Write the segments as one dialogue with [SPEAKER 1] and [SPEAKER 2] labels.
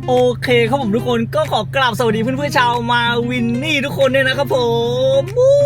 [SPEAKER 1] โอเคครับผมทุกคนก็ขอกราบสวัสดีเพื่อนๆชาวมาวินนี่ทุกคนด้วยนะครับผม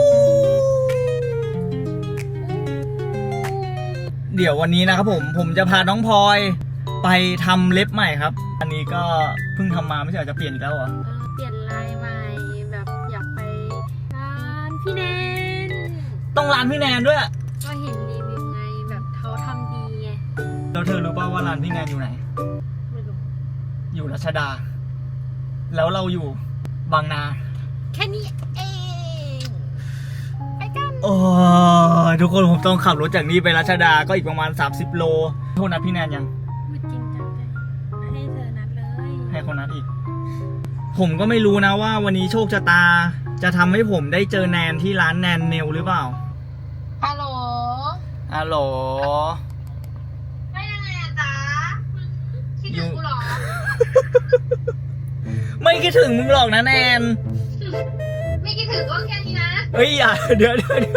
[SPEAKER 1] เดี๋ยววันนี้นะครับผมจะพาน้องพลอยไปทำเล็บใหม่ครับอันนี้ก็เพิ่งทำมาไม่ใช่จะเปลี่ยนอีกแล้วเหรอ
[SPEAKER 2] เปลี่ยนลายใหม่แบบอยากไปร้านพี่แนน
[SPEAKER 1] ต้องร้านพี่แนนด้วย
[SPEAKER 2] ก็เห็นรีวิวไงแบบเขาทำดีไง
[SPEAKER 1] แล้วเธอรู้ป่าวว่าร้านพี่แนนอยู่ไหน
[SPEAKER 2] ไม่รู้
[SPEAKER 1] อยู่รัชดาแล้วเราอยู่บางนา
[SPEAKER 2] แค่นี้เองไปกัน
[SPEAKER 1] โอ้ทุกคนผมต้องขับรถจากนี้ไปรัชดาก็อีกประมาณ30โลโทษนะพี่แนนยัง
[SPEAKER 2] ไม่จริงจังเลยให้เธอนัดเลย
[SPEAKER 1] ให้คนนัดอีกผมก็ไม่รู้นะว่าวันนี้โชคชะตาจะทำให้ผมได้เจอแนนที่ร้านแนนเนลหรือเปล่า
[SPEAKER 2] ฮัลโหล
[SPEAKER 1] ฮัลโหล
[SPEAKER 2] ไม่ยังไงอะจ๊ะคิดถึงกูหรอ
[SPEAKER 1] ไม่คิดถึงมึงหรอกนะแนน
[SPEAKER 2] ไม่คิดถึงก็แค่นี้นะ
[SPEAKER 1] เฮ้ยอย่าเดี๋ยว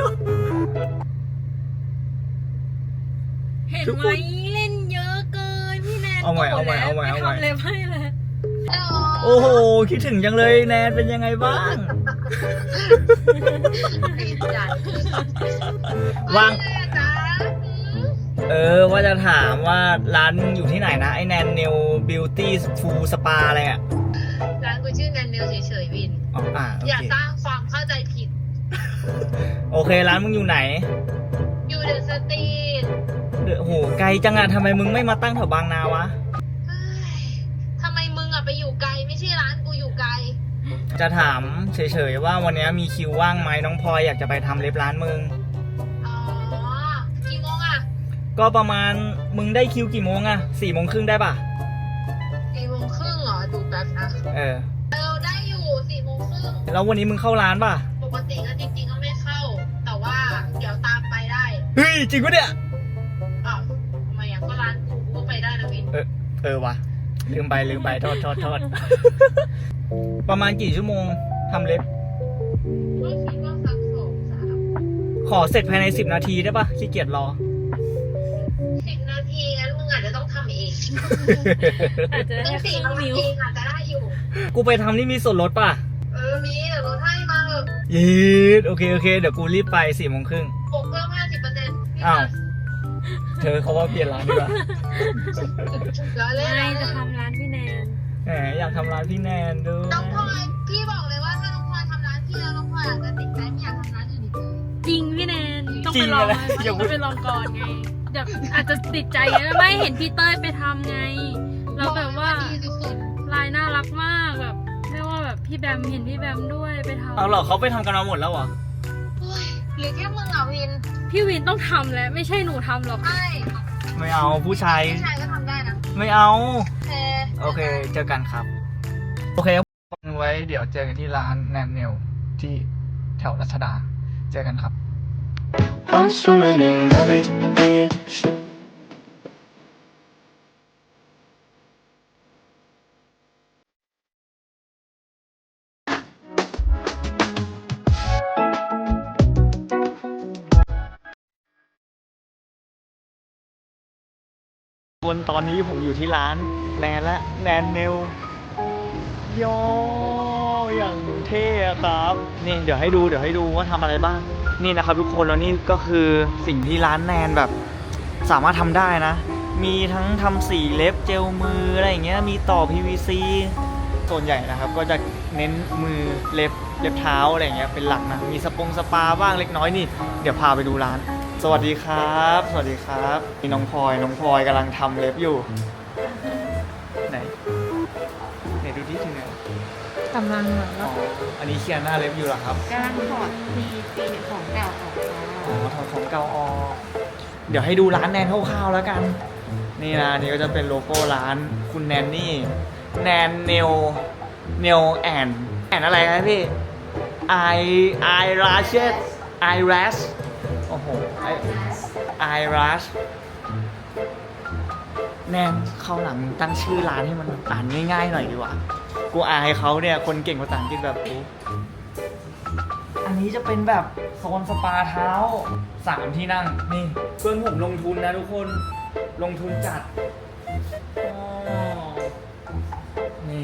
[SPEAKER 2] เห็นไหมเล่นเยอะเกินพี่แนน
[SPEAKER 1] เอาใหม่
[SPEAKER 2] ทำเล็บให้เลย
[SPEAKER 1] โอ้โหคิดถึงจังเลยแนนเป็นยังไงบ้างว่างว่าจะถามว่าร้านอยู่ที่ไหนนะไอแนนเนลบิวตี้ฟูลสปาอะไรอ่ะ
[SPEAKER 2] ร้านกูชื่อแนนเนลเฉยๆวินอย่าสร้างความเข้าใจผิด
[SPEAKER 1] โอเคร้านมึงอยู่ไหน
[SPEAKER 2] อยู่เดอะสตรีท
[SPEAKER 1] โหไกลจังอะทำไมมึงไม่มาตั้งแถวบางนาวะ
[SPEAKER 2] ทำไมมึงอะไปอยู่ไกลไม่ใช่ร้านกูอยู่ไกล
[SPEAKER 1] จะถามเฉยๆว่าวันนี้มีคิวว่างไหมน้องพลอยอยากจะไปทำเล็บร้านมึง
[SPEAKER 2] กี่โมงอะ
[SPEAKER 1] ก็ประมาณมึงได้คิวกี่โมงอะ4:30ได้ป่ะ
[SPEAKER 2] 4:30เหรอดูแป๊บนะได้อยู่4:30
[SPEAKER 1] แล้ววันนี้มึงเข้าร้านป่ะ
[SPEAKER 2] ปกติก็จริงๆก็ไม่เข้าแต่ว่าเดี๋ยวตามไปได้
[SPEAKER 1] เฮ้ยจริงปะเนี่ย
[SPEAKER 2] อ้าวทำไมอ่ะก็ร้านกูก็ไปได้นะวิน
[SPEAKER 1] วะลืมไปโทษประมาณกี่ชั่วโมงทำเล็บ
[SPEAKER 2] ก็คิดว่าสัก2-3
[SPEAKER 1] ขอเสร็จภายใน10 นาทีได้ป่ะขี้เกียจรอ
[SPEAKER 2] 10 นาทีงั้นมึงอาจจะต้องทำเองอาจจะได้4 นาทีอาจจะได้อยู่
[SPEAKER 1] กูไปทำนี่มีส่วนลดป่ะ
[SPEAKER 2] มีเดี๋ยวลดให้มา
[SPEAKER 1] ยีดโอเคเดี๋ยวกูรีบไป4:30
[SPEAKER 2] บวกเพิ่ม 50%
[SPEAKER 1] อ้าวเธอเขาว่าเปลี่ยนร้านดีกว่า
[SPEAKER 2] ไม่จะทำร้านพี่แนน
[SPEAKER 1] อยากทำร้านพี่แนนด้วย
[SPEAKER 2] น้องพลอยพี่บอกเลยว่าถ้าน้องพลอยทำร้านพี่แล้วน้องพลอยอาจจะติดใจไม่อยากทำร้านอื่นอีกเลยจริงพี่แนนต้องไปลองก่อนไงเดี๋ยวอาจจะติดใจไงไม่เห็นพี่เต้ยไปทำไงเราแบบว่าลายน่ารักมากแบบไม่ว่าแบบพี่แบมเห็นพี่แบมด้วยไปทำ
[SPEAKER 1] เอาหรอเขาไปทำกันมาหมดแล้วเหรอ
[SPEAKER 2] หรือแค่มึงอ่ะวินพี่วินต้องทำแล้วไม่ใช่หนูทำหรอก
[SPEAKER 1] ไม่เอาผู้ชาย
[SPEAKER 2] ก็ทำได้นะ
[SPEAKER 1] ไม่เอาโอเคเจอกันครับโอเคไว้เดี๋ยวเจอกันที่ร้านแนนเนลที่แถวรัชดาเจอกันครับตอนนี้ผมอยู่ที่ร้านแนนเนลย่ออย่างเท่ครับนี่เดี๋ยวให้ดูว่าทำอะไรบ้างนี่นะครับทุกคนแล้วนี่ก็คือสิ่งที่ร้านแนนแบบสามารถทำได้นะมีทั้งทำสีเล็บเจลมืออะไรอย่างเงี้ยมีต่อ PVC ส่วนใหญ่นะครับก็จะเน้นมือเล็บเท้าอะไรอย่างเงี้ยเป็นหลักนะมีสปาบ้างเล็กน้อยนี่เดี๋ยวพาไปดูร้านสวัสดีครับนี่น้องพลอยกำลังทำเล็บอยู่ไหนดูที่ถึงไหน
[SPEAKER 2] กำลังเหมือนว่า
[SPEAKER 1] อันนี้เคลียร์หน้าเล็บอยู่หรอครับ
[SPEAKER 2] กำลังถอดปีของเก่าออก
[SPEAKER 1] ถอดของเก่าออกเดี๋ยวให้ดูร้านแนนคร่าวๆแล้วกันนี่นะนี่ก็จะเป็นโลโก้ร้านคุณแนนนี่แนนเนลแอนอะไรครับพี่ไอราชโอ้โหไอรัชแนนเข้าหลังตั้งชื่อร้านให้มันอ่านง่ายๆหน่อยดีกว่ากูอายเขาเนี่ยคนเก่งภาษาอังกฤษแบบกูอันนี้จะเป็นแบบโซนสปาเท้า3 ที่นั่งนี่เพื่อนผมลงทุนนะทุกคนลงทุนจัดนี่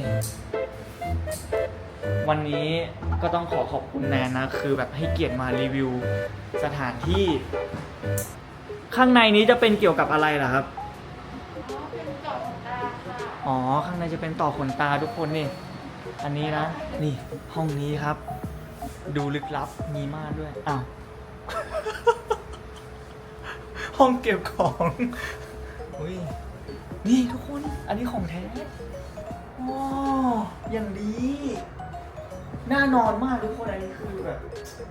[SPEAKER 1] วันนี้ก็ต้องขอบคุณแนนนะคือแบบให้เกียรติมารีวิวสถานที่ ข้างในนี้จะเป็นเกี่ยวกับอะไรล่ะครับอ๋อข้างในจะเป็นต่อขนตาทุกคนนี่อันนี้นะนี่ห้องนี้ครับ ดูลึกลับมีม่านด้วยอ้าว ห้องเก็บของอุ้ยนี่ทุกคนอันนี้ของแท้ว้าวอย่างดีน่านอนมากทุกคนอันนี้คือแบบ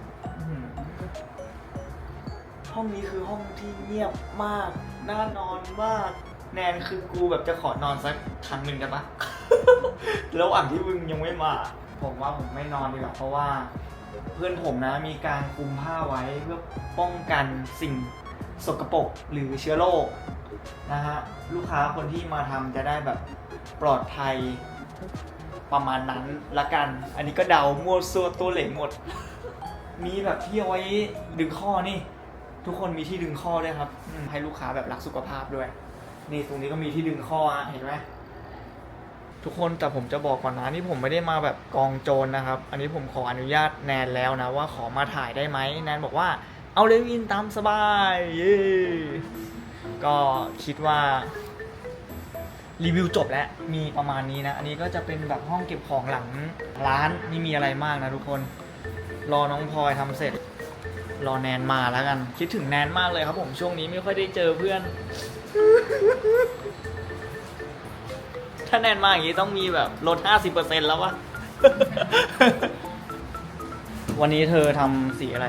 [SPEAKER 1] ห้องนี้คือห้องที่เงียบมากน่านอนมากแนนคือกูแบบจะขอนอนสักครั้งหนึ่งได้ปะ ระหว่างที่มึงยังไม่มาผมว่าผมไม่นอนดีกว่าเพราะว่าเพื่อนผมนะมีการคลุมผ้าไว้เพื่อป้องกันสิ่งสกปรกหรือเชื้อโรคนะฮะลูกค้าคนที่มาทำจะได้แบบปลอดภัยประมาณนั้นละกันอันนี้ก็เดามั่วซั่วตัวเหลงหมด มีแบบที่เอาไว้ดึงข้อนี่ทุกคนมีที่ดึงข้อด้วยครับให้ลูกค้าแบบรักสุขภาพด้วยนี่ตรงนี้ก็มีที่ดึงข้อเห็นไหมทุกคนแต่ผมจะบอกก่อนนะนี่ผมไม่ได้มาแบบกองโจรนะครับ อันนี้ผมขออนุญาตแนนแล้วนะว่าขอมาถ่ายได้ไหมแนนบอกว่าเอาเลยวินตามสบายเย้ก็คิดว่ารีวิวจบแล้วมีประมาณนี้นะอันนี้ก็จะเป็นแบบห้องเก็บของหลังร้านไม่มีอะไรมากนะทุกคนรอน้องพลอยทำเสร็จรอแนนมาแล้วกันคิดถึงแนนมากเลยครับผมช่วงนี้ไม่ค่อยได้เจอเพื่อน ถ้าแนนมาอย่างนี้ต้องมีแบบลด 50% แล้ววะ วันนี้เธอทำสีอะไร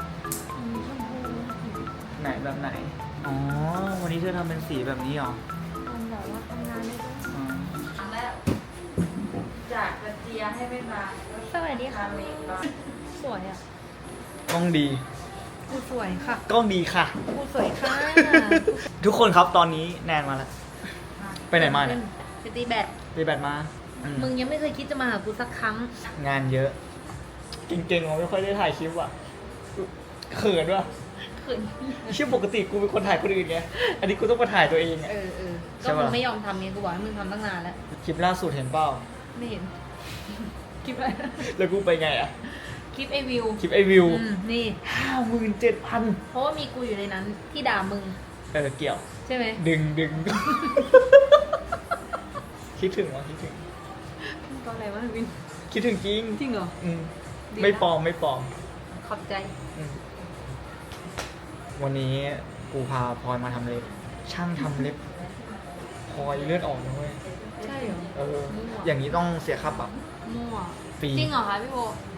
[SPEAKER 1] ไหนแบบไหนอ๋อวันนี้เธอทำเป็นสีแบบนี้เหรอ
[SPEAKER 2] แบบว่าทำงานได้ด้วย
[SPEAKER 1] อ๋อ
[SPEAKER 3] ครั้งแรกจากกระเจียให้ไม่มา
[SPEAKER 2] สวัสดีค่ะ
[SPEAKER 3] ทำเองบ้าง
[SPEAKER 2] สวยอ่ะ
[SPEAKER 1] กล้องดี
[SPEAKER 2] กูสวยค่ะ
[SPEAKER 1] กล้องดีค่ะ
[SPEAKER 2] กูสวยค่ะ
[SPEAKER 1] ทุกคนครับตอนนี้แนนมาแล้วไปไหนมาเนี่ย
[SPEAKER 2] ไปตีแบด
[SPEAKER 1] ไปแบตมาอื
[SPEAKER 2] มึงยังไม่เคยคิดจะมาหากูสักครั้ง
[SPEAKER 1] งานเยอะจริงๆผมไม่ค่อยได้ถ่ายคลิปอ่ะเขินว่ะ
[SPEAKER 2] ขืน
[SPEAKER 1] เชื่อปกติกูเป็นคนถ่ายคนอื่นไงอันนี้กูต้องมาถ่ายตัวเองอะ
[SPEAKER 2] ก็
[SPEAKER 1] ใช่ปะ
[SPEAKER 2] มึงไม่ยอมทำไงกูบอกให้มึงทำตั้งนานแล้ว
[SPEAKER 1] คลิปล่าสุดเห็นเปล่า
[SPEAKER 2] ไม่เห็น คลิปอะไร
[SPEAKER 1] แล้วกูไปไงอ่ะ
[SPEAKER 2] คลิปไอวิว
[SPEAKER 1] คลิปไอวิว
[SPEAKER 2] นี่
[SPEAKER 1] 57,000
[SPEAKER 2] เพราะว่ามีกูอยู่ในนั้นที่ด่ามึง
[SPEAKER 1] เกี่ยว
[SPEAKER 2] ใช่ไหม
[SPEAKER 1] ดึง คิดถึงวะคิดถึง
[SPEAKER 2] ก็อะไรวะวิน
[SPEAKER 1] คิดถึงจริง
[SPEAKER 2] จริงเหรอ
[SPEAKER 1] อืม
[SPEAKER 2] ดี
[SPEAKER 1] ไม่
[SPEAKER 2] นะ
[SPEAKER 1] ปลอมไม่ปลอม
[SPEAKER 2] ขอบใจ
[SPEAKER 1] อืมวันนี้กูพาพลอยมาทำเล็บ ช่างทำเล็บพลอยเลือดออกนะเว้ย
[SPEAKER 2] ใช่เหรอ มั่ว
[SPEAKER 1] อย่างนี้ต้องเสียค่าปรับ
[SPEAKER 2] มั่ว
[SPEAKER 1] ฟรี
[SPEAKER 2] จริงเหรอคะพี่โบ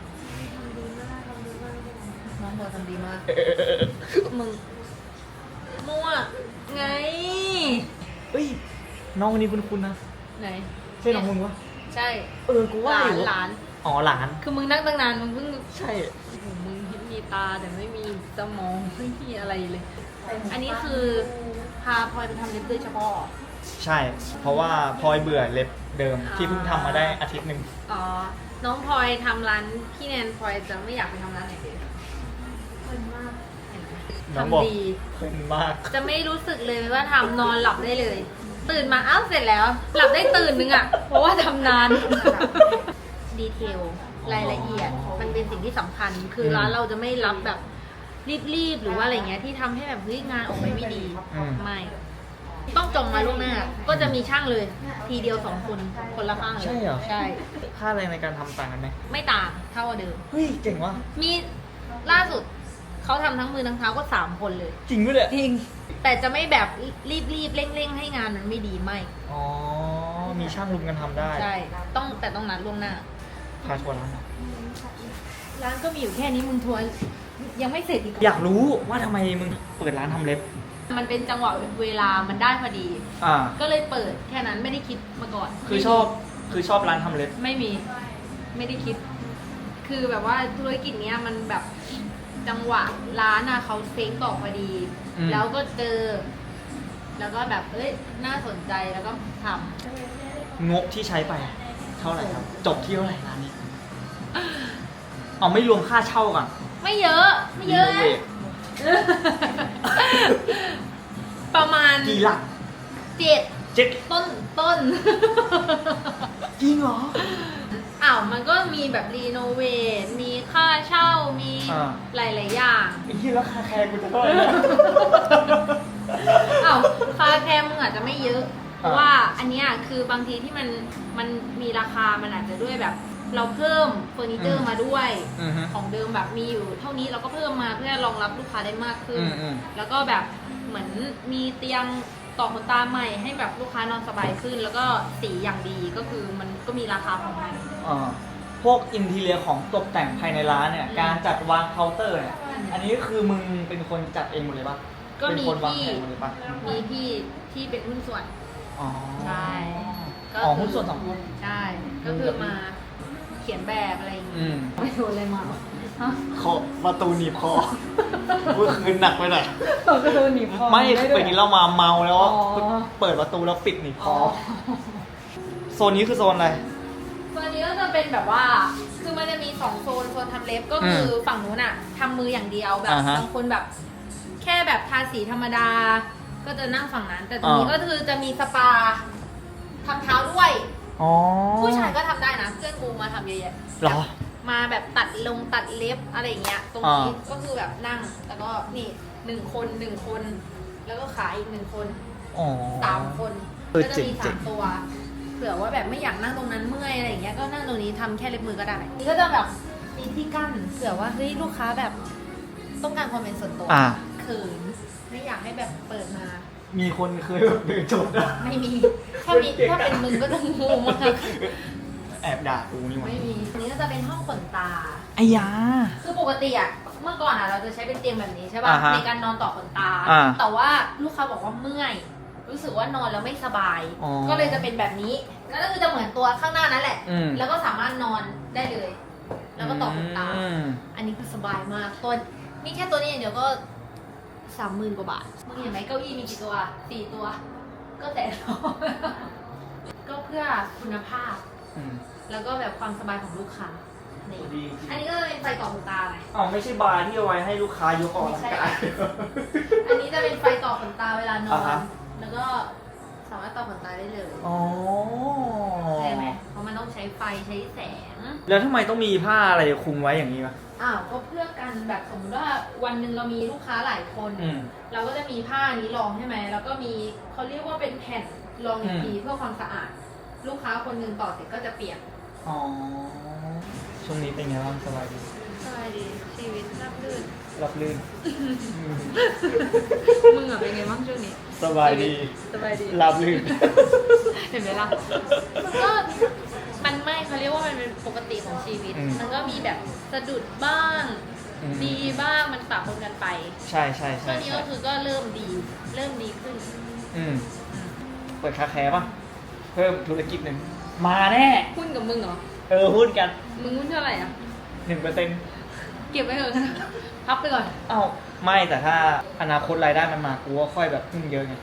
[SPEAKER 2] น้องโบทำดีมาก มึง มั่ว ไง
[SPEAKER 1] เอ้ยน้องคนนี้คุ้นๆนะ
[SPEAKER 2] ไหน
[SPEAKER 1] ใช่น้องมึงวะ
[SPEAKER 2] ใช่
[SPEAKER 1] กู
[SPEAKER 2] ห
[SPEAKER 1] ว่า
[SPEAKER 2] ลา
[SPEAKER 1] อน ยู่
[SPEAKER 2] หลาน
[SPEAKER 1] อ๋อหลาน
[SPEAKER 2] คือมึงนั่งตั้งนานมึงเพิ่ง
[SPEAKER 1] ใช่
[SPEAKER 2] โอ้โหมึงมีตาแต่ไม่มีสมองไม่มีอะไรเลย อันนี้คือพาพลอยไปทำเล็บโดยเฉพาะ
[SPEAKER 1] ใช่ เพราะว่าพลอยเบื่อเล็บเดิมที่เพิ่งทำมาได้อาทิตย์หนึ่ง
[SPEAKER 2] อ๋อ น้องพลอยทำร้านพี่แนนพลอยจะไม่อยากไปทำร้านไหนเลยเพลินมากเห็นไหม
[SPEAKER 1] น้องบอก
[SPEAKER 2] ทำดี
[SPEAKER 1] เพลินมาก
[SPEAKER 2] จะไม่รู้สึกเลยว่าทำนอนหลับได้เลย ตื่นมาอ้าวเสร็จแล้ว หลับได้ตื่นนึงอ่ะ เพราะว่าทำนาน ดีเทลรายละเอียด มันเป็นสิ่งที่สำคัญ คือร้านเราจะไม่รับแบบรีบๆหรือว่าอะไรเงี้ยที่ทำให้แบบเฮ้ยงานออกไปไม่ดี
[SPEAKER 1] อืม
[SPEAKER 2] ไม่ ต้องจองมาล่วงหน้า ก็จะมีช่างเลย ทีเดียว2 คนคนละข้างเลย
[SPEAKER 1] ใช่เหรอ
[SPEAKER 2] ใช่
[SPEAKER 1] ค่าแรงในการทำต่างกันไหม
[SPEAKER 2] ไม่ต่างเท่าเดิม
[SPEAKER 1] เฮ้ยเจ๋งว่ะ
[SPEAKER 2] มีล่าสุดเขาทำทั้งมือทั้งเท้าก็3 คนเลย
[SPEAKER 1] จริงด้วยแหละ
[SPEAKER 2] จริง แต่จะไม่แบบรีบๆเร่งๆให้งานมันไม่ดีไม่
[SPEAKER 1] อ๋อ มีช่างรุมกันทำได้
[SPEAKER 2] ใช่ แต่ต้องนัดล่วงหน้า
[SPEAKER 1] พาทัวร์ร้านหน่อย
[SPEAKER 2] ร้านก็มีอยู่แค่นี้มึงทัวร์ยังไม่เสร็จอีก
[SPEAKER 1] อยากรู้ว่าทำไมมึงเปิดร้านทำเล็บ
[SPEAKER 2] มันเป็นจังหวะเวลามันได้พอดี
[SPEAKER 1] อ่า
[SPEAKER 2] ก็เลยเปิดแค่นั้นไม่ได้คิดมาก่อน
[SPEAKER 1] คือชอบร้านทำเล็บ
[SPEAKER 2] ไม่มีไม่ได้คิด คือแบบว่าธุรกิจเนี้ยมันแบบจังหวะร้านอะเขาเซ้งต่อพอดี
[SPEAKER 1] อืม
[SPEAKER 2] แล้วก็เจอ แล้วก็แบบเอ้ยน่าสนใจแล้วก็ทำ
[SPEAKER 1] งบที่ใช้ไป เท่าไหร่ครับ จบที่เท่าไหร่ร้านนี้ เอาไม่รวมค่าเช่าก่อน
[SPEAKER 2] ไม่เยอะไม่เยอะ
[SPEAKER 1] รีโนเวท
[SPEAKER 2] ประมาณ
[SPEAKER 1] กี่หลัก
[SPEAKER 2] 7
[SPEAKER 1] เจ็ด
[SPEAKER 2] ต้น
[SPEAKER 1] จริงเหรอ
[SPEAKER 2] อ้าวมันก็มีแบบรีโนเวทมีค่าเช่ามีหลายๆอย่าง
[SPEAKER 1] ไอ้ที่แล้วคาแคร์กูจะเท่าไหร่นะ
[SPEAKER 2] อ้าวคาแคร์มึงอาจจะไม่เยอะ เพราะว่าอันเนี้ยคือบางทีที่มันมีราคามันอาจจะด้วยแบบ เราเพิ่มเฟอร์นิเจอร์มาด้วย ของเดิมแบบมีอยู่เท่านี้เราก็เพิ่มมาเพื่อรองรับลูกค้าได้มากขึ้น แล้วก็แบบเหมือนมีเตียงต่อขนตาใหม่ให้แบบลูกค้านอนสบายขึ้น แล้วก็สีอย่างดีก็คือมันก็มีราคาของมัน
[SPEAKER 1] พวกอินทีเรียของตกแต่งภายในร้านเนี่ย การจัดวางเคาน์เตอร์เนี่ย อันนี้คือมึงเป็นคนจัดเองหมดเลยปะ
[SPEAKER 2] ก็
[SPEAKER 1] เป็น
[SPEAKER 2] มี
[SPEAKER 1] คนวาง
[SPEAKER 2] พี่
[SPEAKER 1] แผนหมดเลยปะ
[SPEAKER 2] มีพี่ที่เป็นหุ้นส่วน
[SPEAKER 1] อ๋อ
[SPEAKER 2] ใช่ก็
[SPEAKER 1] อ๋อหุ้นส่วนสองคน
[SPEAKER 2] ใช่ ก็คือมาเขียนแบบอะไรอย่าง
[SPEAKER 1] อื
[SPEAKER 2] งี้
[SPEAKER 1] ม
[SPEAKER 2] ไม่โดนอะไรมาฮะ
[SPEAKER 1] คอประตูหนีบคอเมื่อคืนหนักไปหน่อย
[SPEAKER 2] ก็โดนหนีบคอ
[SPEAKER 1] ไม่ไปกินเหล้ามาเมาแล้ว
[SPEAKER 2] อ๋อ
[SPEAKER 1] เปิดประตูแล้วปิดหนีบค
[SPEAKER 2] อ๋
[SPEAKER 1] อ
[SPEAKER 2] อ
[SPEAKER 1] โซนนี้คือโซนอะไร
[SPEAKER 2] ตัวนี้ก็จะเป็นแบบว่า คือมันจะมี2โซนทำเล็บก็คือฝั่งนู้นอะทำมืออย่างเดียวแบบ
[SPEAKER 1] อ่าฮะ
[SPEAKER 2] บางคนแบบ แค่แบบทาสีธรรมดา ก็จะนั่งฝั่งนั้น แต่ตรงนี้
[SPEAKER 1] อ่า
[SPEAKER 2] ก็คือจะมีสปาทำเท้าด้วย
[SPEAKER 1] อ๋อ
[SPEAKER 2] ผู้ชายก็ทำได้นะเพื่อนกูมาทำเยอะแยะ
[SPEAKER 1] เหรอ
[SPEAKER 2] มาแบบตัดเล็บอะไรอย่างเงี้ย ตรงนี้ก็คือแบบนั่ง แล้วก็นี่1 คน แล้วก็ขาอีก1 คน
[SPEAKER 1] อ๋อ
[SPEAKER 2] 3 คน
[SPEAKER 1] เออ
[SPEAKER 2] ก็จะมี
[SPEAKER 1] เจ๋ง
[SPEAKER 2] 3 ตัว เผื่อว่าแบบไม่อยากนั่งตรงนั้นเมื่อยอะไรอย่างเงี้ย ก็นั่งตรงนี้ทำแค่เล็บมือก็ได้ นี่ก็จะแบบมีที่กั้น เผื่อว่าเฮ้ยลูกค้าแบบต้องการความเป็นส่วนตัว
[SPEAKER 1] อ่า
[SPEAKER 2] เขิน ไม่อยากให้แบบเปิดมา
[SPEAKER 1] มีคนเคยแบบเดินจบนะ
[SPEAKER 2] ไม่มี ถ้าเป็นมึงก็จะงงมาก
[SPEAKER 1] แอบด่ากูนี่หว่า
[SPEAKER 2] ไม่มีอันนี้ก็จะเป็นห้องขนตา
[SPEAKER 1] ไอ้ยา
[SPEAKER 2] คือปกติอะเมื่อก่อนอะเราจะใช้เป็นเตียงแบบนี้ใช่ป่ะ
[SPEAKER 1] อ่าฮะ
[SPEAKER 2] ในการนอนต่อขนตา
[SPEAKER 1] อ่า
[SPEAKER 2] แต่ว่าลูกค้าบอกว่าเมื่อย รู้สึกว่านอนแล้วไม่สบาย
[SPEAKER 1] อ๋อ
[SPEAKER 2] ก็เลยจะเป็นแบบนี้ก็คือจะเหมือนตัวข้างหน้านั่นแหละ
[SPEAKER 1] อืม
[SPEAKER 2] แล้วก็สามารถนอนได้เลย แล้วก็ต่อขนตา
[SPEAKER 1] อืม
[SPEAKER 2] อันนี้คือสบายมากตัวนี่แค่ตัวนี้อย่างเดียวก็30,000 กว่าบาทมึงเห็นไหมเก้าอี้มีกี่ตัว4 ตัว ก็แต่ ก็เพื่อคุณภาพ
[SPEAKER 1] อืม
[SPEAKER 2] แล้วก็แบบความสบายของลูกค้านี่
[SPEAKER 1] ดีจริง
[SPEAKER 2] อันนี้ก็จะเป็นไฟต่อขนตาไง
[SPEAKER 1] อ๋อไม่ใช่บาร์ที่เอาไว้ให้ลูกค้ายกออกกำลังกาย
[SPEAKER 2] อันนี้จะเป็นไฟต่อขนตาเวลานอ
[SPEAKER 1] อ่าน ฮะ
[SPEAKER 2] แล้วก็สามารถต่อขนตาได้เลย
[SPEAKER 1] อ๋อ
[SPEAKER 2] ใช่ไหมเพราะมันต้องใช้ไฟใช้แสง
[SPEAKER 1] แล้วทำไมต้องมีผ้าอะไรคลุมไว้อย่างนี้วะ
[SPEAKER 2] อ้าวก็เพื่อกันแบบสมมติว่าวันหนึ่งเรามีลูกค้าหลายคน
[SPEAKER 1] อืม
[SPEAKER 2] เราก็จะมีผ้านี้รองใช่ไหมแล้วก็มีเขาเรียกว่าเป็นแผ่นรองอีกทีเพื่อความสะอาด ลูกค้าคนหนึ่งต่อเสร็จก็จะเปียก
[SPEAKER 1] อ๋อ ช่วงนี้เป็นไงบ้างสบายดี
[SPEAKER 2] สบายดีชีวิตราบรื่น
[SPEAKER 1] รับลื่น
[SPEAKER 2] มึงอะเป็นไงบ้างช่วงนี้
[SPEAKER 1] สบายดี
[SPEAKER 2] สบายดี
[SPEAKER 1] รับลื่น
[SPEAKER 2] เห็นไหมล่ะก็มันไม่เขาเรียกว่ามันเป็นปกติของชีวิต
[SPEAKER 1] อืม
[SPEAKER 2] มันก็มีแบบสะดุดบ้าง
[SPEAKER 1] อืม
[SPEAKER 2] ดีบ้างมันปะปนกันไป
[SPEAKER 1] ใช่ใช่
[SPEAKER 2] ช่
[SPEAKER 1] ใช่
[SPEAKER 2] วงนี้
[SPEAKER 1] ใช่
[SPEAKER 2] ก็คือก็เริ่มดีขึ้น
[SPEAKER 1] อืม เปิดคาแคร์ป่ะ เพิ่มธุรกิจหนึ่ง มาแน่
[SPEAKER 2] หุ้นกับมึงเหรอ
[SPEAKER 1] หุ้นกัน
[SPEAKER 2] มึงหุ้นเท่าไหร่อ่ะ
[SPEAKER 1] 1%
[SPEAKER 2] เก็บไว้เถอะ พับไปก่อน
[SPEAKER 1] เอ้าไม่แต่ถ้าอนาคตรายได้มันมากูก็ค่อยแบบพึ่งเยอะไง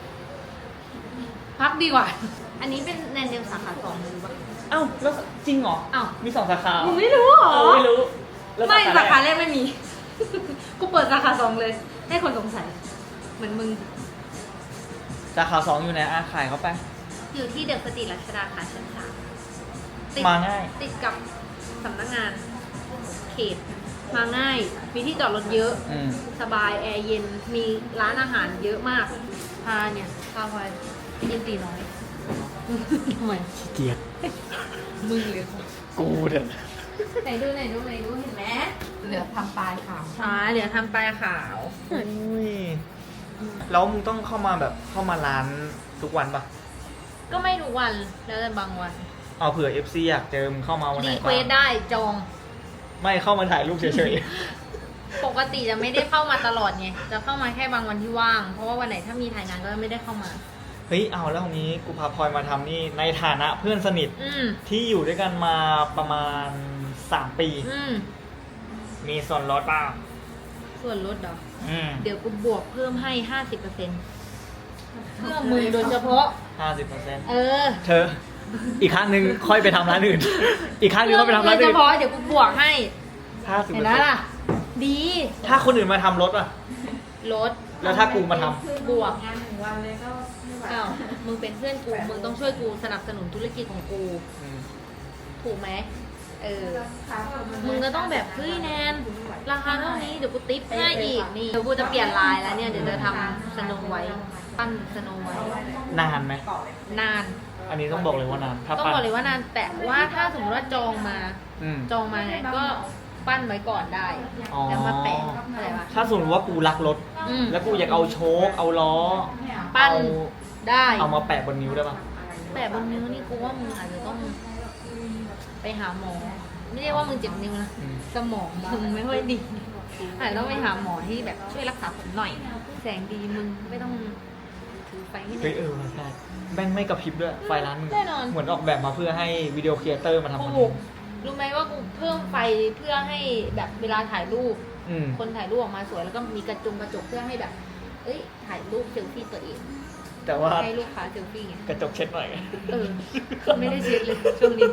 [SPEAKER 2] พักดีกว่า อันนี้เป็นแนนเดลสาขา2เลยปะ
[SPEAKER 1] เอ้าแล้วจริงเหรอ
[SPEAKER 2] อ้าว
[SPEAKER 1] มี2 สาขา
[SPEAKER 2] มึงไม่รู้เหรอ
[SPEAKER 1] ไม่รู้แล้ว
[SPEAKER 2] ไม่สาขา
[SPEAKER 1] แรก
[SPEAKER 2] แรกไม่มี กูเปิดสาขา2เลย ให้คนสงสัย เหมือนมึง
[SPEAKER 1] สาขา2อยู่ไหนอาขายเขาไป
[SPEAKER 2] อยู่ที่เดอะสตรีทรัชดาค่ะชั้น3ติด
[SPEAKER 1] มาง่าย
[SPEAKER 2] ติดกับสำนักงานเขต มาง่าย มีที่จอดรถเยอะ
[SPEAKER 1] อืม
[SPEAKER 2] สบายแอร์เย็น มีร้านอาหารเยอะมาก พาเนี่ยพาไปกินตีน้อย ทำไม
[SPEAKER 1] ขี้เกียจ
[SPEAKER 2] มึงหรือ
[SPEAKER 1] กูเถอะ
[SPEAKER 2] ไหนดูเห็นไหม
[SPEAKER 3] เหลือทำปลายขาว
[SPEAKER 2] เหลือทำปลายขาว
[SPEAKER 1] อุ้ยแล้วมึงต้องเข้ามาแบบเข้ามาร้านทุกวันปะ
[SPEAKER 2] ก็ไม่ทุกวัน แล้วแต่บางวัน
[SPEAKER 1] เอาเผื่อ FC อยากเจอมึงเข้ามาวันไหน
[SPEAKER 2] รี
[SPEAKER 1] บ้าง
[SPEAKER 2] เควสได้จอง
[SPEAKER 1] ไม่เข้ามาถ่ายรูปเฉย
[SPEAKER 2] ปกติจะไม่ได้เข้ามาตลอดไง จะเข้ามาแค่บางวันที่ว่าง เพราะว่าวันไหนถ้ามีถ่ายงานก็ไม่ได้เข้ามา
[SPEAKER 1] ๆ เฮ้ยเอาแล้วตรงนี้กูพาพลอยมาทำนี่ในฐานะเพื่อนสนิท
[SPEAKER 2] อืม
[SPEAKER 1] ที่อยู่ด้วยกันมาประมาณ3 ปี
[SPEAKER 2] อืม
[SPEAKER 1] มีส่วนลดป่ะ
[SPEAKER 2] ส่วนลดเหรอ
[SPEAKER 1] อืม
[SPEAKER 2] เดี๋ยวกูบวกเพิ่มให้ 50%เพื่อมึงโดยเฉพาะ
[SPEAKER 1] 50%
[SPEAKER 2] เออ
[SPEAKER 1] เธอ อีกครั้งหนึ่งค่อยไปทำร้านอื่น อีกครั้งหนึงค่อยไปทำร้าน
[SPEAKER 2] โดย
[SPEAKER 1] อื่
[SPEAKER 2] เฉ
[SPEAKER 1] น
[SPEAKER 2] พาะเดี๋ยวกูบวกให้
[SPEAKER 1] 50%
[SPEAKER 2] เห็นไหมล่ะ ดี
[SPEAKER 1] ถ้าคนอื่นมาทำรถอ่ะ
[SPEAKER 2] ลด
[SPEAKER 1] แล้วถ้ากูมาทำ
[SPEAKER 2] บวก
[SPEAKER 3] งาน1 วันเลยก็ไม่ไหว
[SPEAKER 2] อ้าวมึงเป็นเพื่อนกู มึงต้องช่วยกูสนับสนุนธุรกิจของกู
[SPEAKER 1] อืม
[SPEAKER 2] ทถูกไหมมึงก็ต้องแบบเฮ้ยแนนราคาเท่านี้เดี๋ยวกูติ๊ปให้อีกนี่เดี๋ยวกูจะเปลี่ยนลายแล้วเนี่ยเดี๋ยวจะทำสโนไวท์ปั้นสโนไวท์
[SPEAKER 1] นานไหม
[SPEAKER 2] นาน
[SPEAKER 1] อันนี้ต้องบอกเลยว่านานถ้า
[SPEAKER 2] ต้อง
[SPEAKER 1] ปั้น
[SPEAKER 2] บอกเลยว่านานแต่ว่าถ้าสมมติว่าจองมา
[SPEAKER 1] อืม
[SPEAKER 2] จองมาไงก็ปั้นไว้ก่อนได้
[SPEAKER 1] อ๋อ
[SPEAKER 2] แล้วมาแปะอะไรวะ
[SPEAKER 1] ถ้าสมมติว่ากูรักรถ
[SPEAKER 2] อืม
[SPEAKER 1] แล้วกูอยากเอาโชคเอาล้อ
[SPEAKER 2] ปั้น
[SPEAKER 1] เอา
[SPEAKER 2] ได้
[SPEAKER 1] เอามาแปะบนนิ้วได้ปะ
[SPEAKER 2] แปะบนนิ้วนี่กูว่ามึงอาจจะต้องไปหาหมอ ไม่ได้ว่ามึงเจ็บนิ้วนะ
[SPEAKER 1] อืม
[SPEAKER 2] สมองมึงไม่ค่อยดีอาจจะต้องไปหาหมอที่แบบช่วยรักษาผมหน่อย แสงดีมึงไม่ต้องถือไฟให้
[SPEAKER 1] เฮ้ย
[SPEAKER 2] แน่
[SPEAKER 1] ใช่แม่งไม่กระพริบด้วยไฟร้านมึง
[SPEAKER 2] แน่นอน
[SPEAKER 1] เหมือนออกแบบมาเพื่อให้วิดีโอครีเอเตอร์มาทำคอนเท
[SPEAKER 2] ถูก
[SPEAKER 1] นต์
[SPEAKER 2] รู้ไหมว่ากูเพิ่มไฟเพื่อให้แบบเวลาถ่ายรูป
[SPEAKER 1] อืม
[SPEAKER 2] คนถ่ายรูปออกมาสวยแล้วก็มีกระจกเพื่อให้แบบ เอ้ยถ่ายรูปเซลฟี่ตัวเอง
[SPEAKER 1] แต่ว่า
[SPEAKER 2] ให้ลูกค้าเซลฟี่ไง
[SPEAKER 1] กระจกเช็ดหน่อย
[SPEAKER 2] ไม่ได้เช็ดเลยช่วงนี้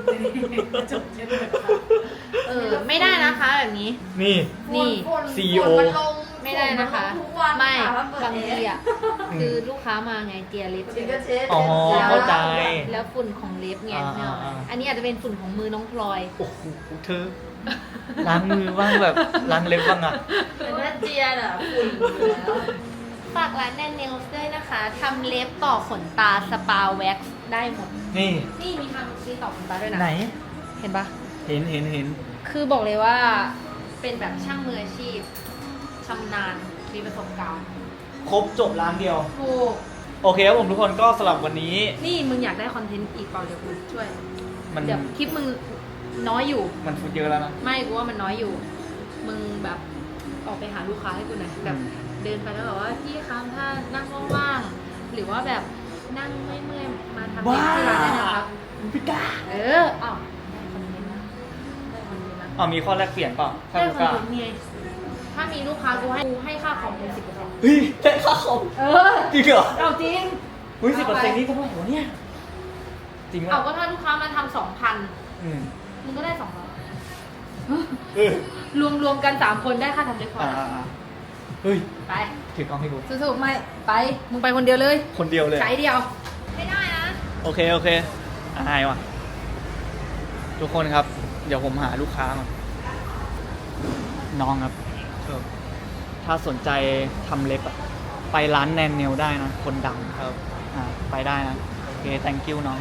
[SPEAKER 2] ไม่ได้นะคะแบบนี้
[SPEAKER 1] นี่
[SPEAKER 2] นี่
[SPEAKER 1] CEO
[SPEAKER 2] ไม่ได้นะคะ ไม่บางทีอ่ะคือลูกค้ามาไงเจียเล็บใช่ไหม
[SPEAKER 1] อ๋อ เข้าใจ
[SPEAKER 2] แล้วฝุ่นของเล็บไง
[SPEAKER 1] อ่าๆๆ
[SPEAKER 2] อันนี้อาจจะเป็นฝุ่นของมือน้องพลอย
[SPEAKER 1] โอ้โหเธอล้างมือบ้างแบบล้างเล็บบ้างอ่ะ
[SPEAKER 3] แต่ถ้าเจียน่ะฝุ่นอยู่แล้ว
[SPEAKER 2] ฝากร้านแนนเนลส์ด้วยนะคะทำเล็บต่อขนตาสปาแว็กซ์ได้หมด
[SPEAKER 1] นี่
[SPEAKER 2] นี่มีทำมีต่อขนตาด้วยนะ
[SPEAKER 1] ไหน
[SPEAKER 2] เห็นปะ
[SPEAKER 1] เห็น
[SPEAKER 2] คือบอกเลยว่าเป็นแบบช่างมืออาชีพชำนาญมีประสบการณ์
[SPEAKER 1] ครบจบร้านเดียว
[SPEAKER 2] ถูก
[SPEAKER 1] โอเคครับผมทุกคนก็สำหรับวันนี้
[SPEAKER 2] นี่มึงอยากได้คอนเทนต์อีกเปล่าเดี๋ยวกูช่วย
[SPEAKER 1] มัน
[SPEAKER 2] เดี๋ยวคลิปมึงน้อยอยู่
[SPEAKER 1] มันฟุตเยอะแล้วนะ
[SPEAKER 2] ไม่กูว่ามันน้อยอยู่ มึงแบบออกไปหาลูกค้าให้กูหน่อยแบบเดินไปแล้วแบบว่าพี่คะถ้านั่งว่างๆหรือว่าแบบนั่งเมื่อยๆมาทำเล็บที่ร้านได้นะครับ
[SPEAKER 1] พี่กา
[SPEAKER 2] อ้าวได้คอนเทนต์นะได้คอนเทนต์นะ
[SPEAKER 1] อ๋อมีข้อแลกเปลี่ยนเปล่าถ้า
[SPEAKER 2] ได้
[SPEAKER 1] ลูก
[SPEAKER 2] คอน
[SPEAKER 1] ค้า
[SPEAKER 2] เทนต์ไงถ้ามีลูกค้ากูให้ค่าคอมเป็น10%
[SPEAKER 1] เฮ้ยได้ค่าคอม จริงเหรอ
[SPEAKER 2] เอาจริง
[SPEAKER 1] เฮ้ย10%นี่เท่าไหร่วะเนี่ย จริงไหม
[SPEAKER 2] เอาก็ถ้าลูกค้ามาทำ2,000
[SPEAKER 1] อืม
[SPEAKER 2] มึงก็ได้200
[SPEAKER 1] เออ
[SPEAKER 2] รวมกัน3คนได้ค่าทำเล็บพอ
[SPEAKER 1] เฮ้ย
[SPEAKER 2] ไป
[SPEAKER 1] ถือกล้องให้ดู
[SPEAKER 2] สู้ๆไม่ไปมึงไปคนเดียวเลย
[SPEAKER 1] คนเดียวเลย
[SPEAKER 2] ใช้เดียว ไม่ได้นะ
[SPEAKER 1] โอเคอายว่ะ ทุกคนครับ เดี๋ยวผมหาลูกค้าก่อนน้องครับถ้าสนใจทำเล็บอะไปร้านแนนเนลได้นะ คนดังครับไปได้นะ โอเค thank you น้อง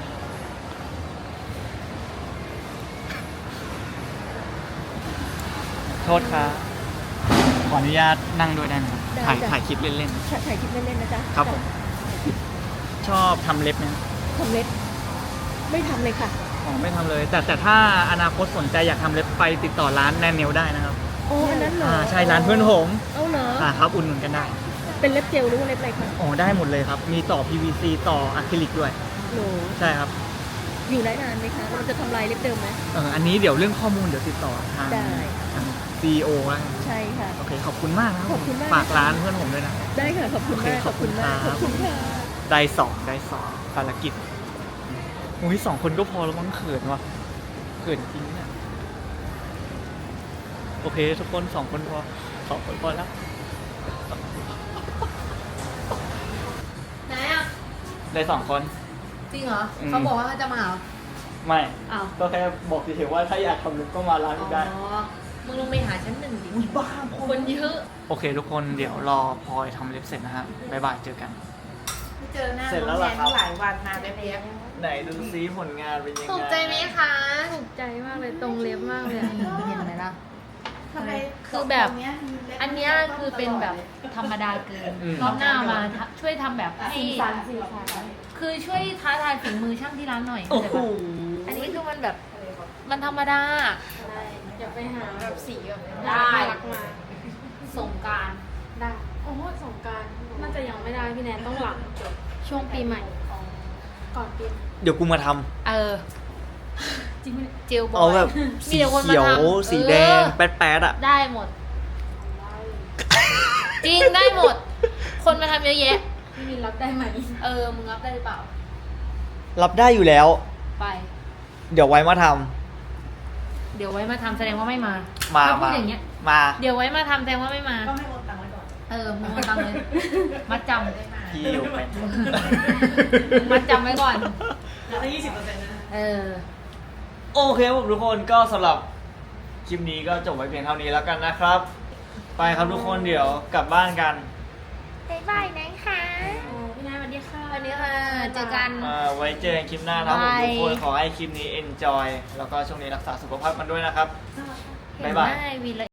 [SPEAKER 1] โทษครับ ขออนุญาตนั่งด้วยได้ไหมครับ
[SPEAKER 4] ได้
[SPEAKER 1] ถ่าย
[SPEAKER 4] จ้ะ
[SPEAKER 1] ถ่ายคลิปเล่น
[SPEAKER 4] ถ่ายคลิปเล่นๆนะจ๊ะ
[SPEAKER 1] ๆ ครับผม ชอบทำเล็บไหม
[SPEAKER 4] ทำเล็บไม่ทำเลยค่ะ
[SPEAKER 1] อ๋อไม่ทำเลย แต่ถ้าอนาคตสนใจอยากทำเล็บไปติดต่อร้านแนนเนลได้นะครับ
[SPEAKER 4] โอ้อันนั้นเหรอ
[SPEAKER 1] ใช่ร้านเพื่อนผม
[SPEAKER 4] เอาเหรอ
[SPEAKER 1] ครับอุ่นหนุนกันได้
[SPEAKER 4] เป็นเล็บเจลหรือว่าเล็บอะไรคะ
[SPEAKER 1] อ๋อได้หมดเลยครับ มีต่อ PVC ต่ออะคริลิกด้วย
[SPEAKER 4] หนู
[SPEAKER 1] ใช่ครับ
[SPEAKER 4] อยู่ได้นานไหมคะเราจะทำลายเล็บเดิมไหม
[SPEAKER 1] อันนี้เดี๋ยวเรื่องข้อมูลเดี๋ยวติดต่อทาง
[SPEAKER 4] ได้
[SPEAKER 1] ทาง CEO แล้วกัน
[SPEAKER 4] ใช่ค่ะ
[SPEAKER 1] โอเค ขอบคุณมากนะครับ
[SPEAKER 4] ขอบคุณมาก
[SPEAKER 1] ฝากร้านเพื่อนผมด้วยนะ
[SPEAKER 4] ได้ค่ะ ขอบคุณมาก
[SPEAKER 1] โอเคขอบคุณ
[SPEAKER 4] มาก
[SPEAKER 1] ครั
[SPEAKER 4] ข
[SPEAKER 1] บ
[SPEAKER 4] อบคุณค่ะ
[SPEAKER 1] ได้สองภารกิจอุ้ย2 คนก็พอแล้วมั้งเขินว่ะเขินจริงเนี่ยโอเค ทุกคน2 คนพอ2 คนพอแล้ว
[SPEAKER 2] ไหนอ่ะ
[SPEAKER 1] ได้2 คน
[SPEAKER 2] จริงเหรอ
[SPEAKER 1] อืม
[SPEAKER 2] เขาบอกว่าเขาจะมาเหรอ
[SPEAKER 1] ไม่
[SPEAKER 2] อ้าว
[SPEAKER 1] ก็แค่บอกเฉยๆว่าถ้าอยากทำเล็บก็มาร้านนี้ได้
[SPEAKER 2] อ๋อ มึงลงไปหาชั้น 1ดิ
[SPEAKER 1] อุ้ยบ้า
[SPEAKER 2] คนเยอะ
[SPEAKER 1] โอเค ทุกคนเดี๋ยวรอพลอยทำเล็บเสร็จนะฮะบ๊ายบายเจอกัน
[SPEAKER 3] ไม่เจอหน้า
[SPEAKER 1] เสร็จแล้ว
[SPEAKER 3] น้อง
[SPEAKER 1] เหรอ
[SPEAKER 3] แนน
[SPEAKER 1] ครับ
[SPEAKER 3] หลายวันมาแบบเนี้ย
[SPEAKER 1] ไหนดูซิผลงานเป็นยังไง
[SPEAKER 2] ถูกใจไหมคะ ถูกใจมากเลยตรงเล็บมากเลยอะเห็นไหมล่ะ
[SPEAKER 3] ทำไม
[SPEAKER 2] คือแบบ
[SPEAKER 3] ตรงเนี้ย
[SPEAKER 2] อันเนี้ยคือเป็นแบบธรรมดาเกิน รอบหน้ามาช่วยทำแบบให้
[SPEAKER 3] สีสัน
[SPEAKER 2] คือช่วยท้าทายฝีมือช่างที่ร้านหน่อย
[SPEAKER 1] โอ้
[SPEAKER 2] เข้าใจ
[SPEAKER 1] โห
[SPEAKER 2] ปะอันนี้คือมันแบบมันธรรมดา
[SPEAKER 3] อย่าไปหาแบบสีแบบ
[SPEAKER 2] ได้
[SPEAKER 3] น่ารักมา
[SPEAKER 2] สงกรารได้
[SPEAKER 3] โอ้โหสงกรารน่าจะยังไม่ได้พี่แนนต้องหลังจบ
[SPEAKER 2] ช่วงปีใหม่
[SPEAKER 3] ก่อนปีใหม่
[SPEAKER 1] เดี๋ยวกูมาทำ
[SPEAKER 2] จริงไหมเจลบอย
[SPEAKER 1] เอาแบบสี
[SPEAKER 2] มีแต่คน
[SPEAKER 1] เขียว
[SPEAKER 2] มาทำ
[SPEAKER 1] สีแดง แป๊ดๆอ่ะ
[SPEAKER 2] ได้หมด จริงได้หมด คนมาทำเยอะแยะ
[SPEAKER 3] พี่มินรับได้ไหม
[SPEAKER 2] มึงรับได้หรือเปล่า
[SPEAKER 1] รับได้อยู่แล้ว
[SPEAKER 2] ไป
[SPEAKER 1] เดี๋ยวไว้มาท
[SPEAKER 2] เดี๋ยวไว้มาทำแสดงว่าไม่มา
[SPEAKER 1] ำมา
[SPEAKER 2] ถ้าพู
[SPEAKER 1] มา
[SPEAKER 2] ดอย่างเงี้ย
[SPEAKER 1] มา
[SPEAKER 2] เดี๋ยวไว้มาทำแสดงว่าไม่มา
[SPEAKER 3] ต้องให้โอนตังค์ไว้ก่อน
[SPEAKER 2] มึงมาตังเลย มัดจำ
[SPEAKER 1] พี่อยู่เป็น
[SPEAKER 2] มัดจำไว้ก่อน
[SPEAKER 3] แล้วได้20%นะ
[SPEAKER 2] เออ
[SPEAKER 1] โอเคครับผมทุกคนก็สำหรับคลิปนี้ก็จบไว้เพียงเท่านี้แล้วกันนะครับ ไปครับทุกคนเดี๋ยวกลับบ้านกัน
[SPEAKER 4] บ๊ายบายนะคะ
[SPEAKER 2] พี่นายสวัสดีค่ะ
[SPEAKER 4] วันนี้ค่ะเจอกัน
[SPEAKER 1] ไว้เจอกันคลิปหน้านะครับผม
[SPEAKER 4] บาย
[SPEAKER 1] ทุกคนขอให้คลิปนี้ enjoy แล้วก็ช่วงนี้รักษาสุขภาพกันด้วยนะครับ บ๊ายบาย
[SPEAKER 4] วี